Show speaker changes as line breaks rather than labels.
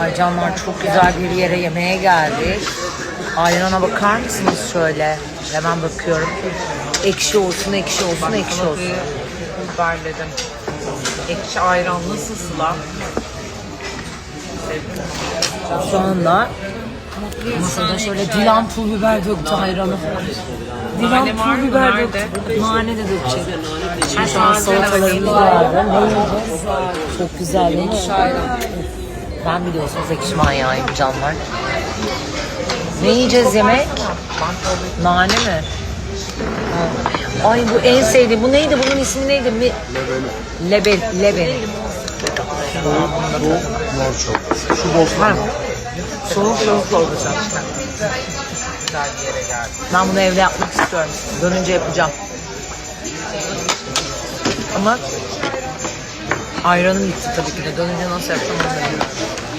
Ay canlar, çok güzel bir yere yemeğe geldik. Ayrana bakar mısınız şöyle? Hemen bakıyorum. Ekşi olsun, ekşi olsun, ekşi olsun.
Biberledim. Ekşi ayranlı Sıla.
Şu anda masada şöyle Dilan pul biber döktü ayranı. Dilan
Nane var
pul
mı?
biber
Nerede?
döktü. Nane de dökecek. Şimdi şu an
Nane
salatalarımız
var.
vardı. Ne yiyeceğiz? Çok güzel değil mi? Ben biliyorsunuz ekşi manyağıyım canlar. Ne yiyeceğiz yemek? Nane mi? Ha. Ay bu en sevdiğim. Bu neydi? Bunun ismi neydi? Lebeni. Lebeni.
Bu mor çorbası. Şu bozma.
Soğuk olacak işte. Güzel bir yere geldik.
Ben bunu evde yapmak istiyorum. Dönünce yapacağım. Ama ayranım gitti tabii ki de. Dönünce nasıl yapacağım onu bilmiyorum.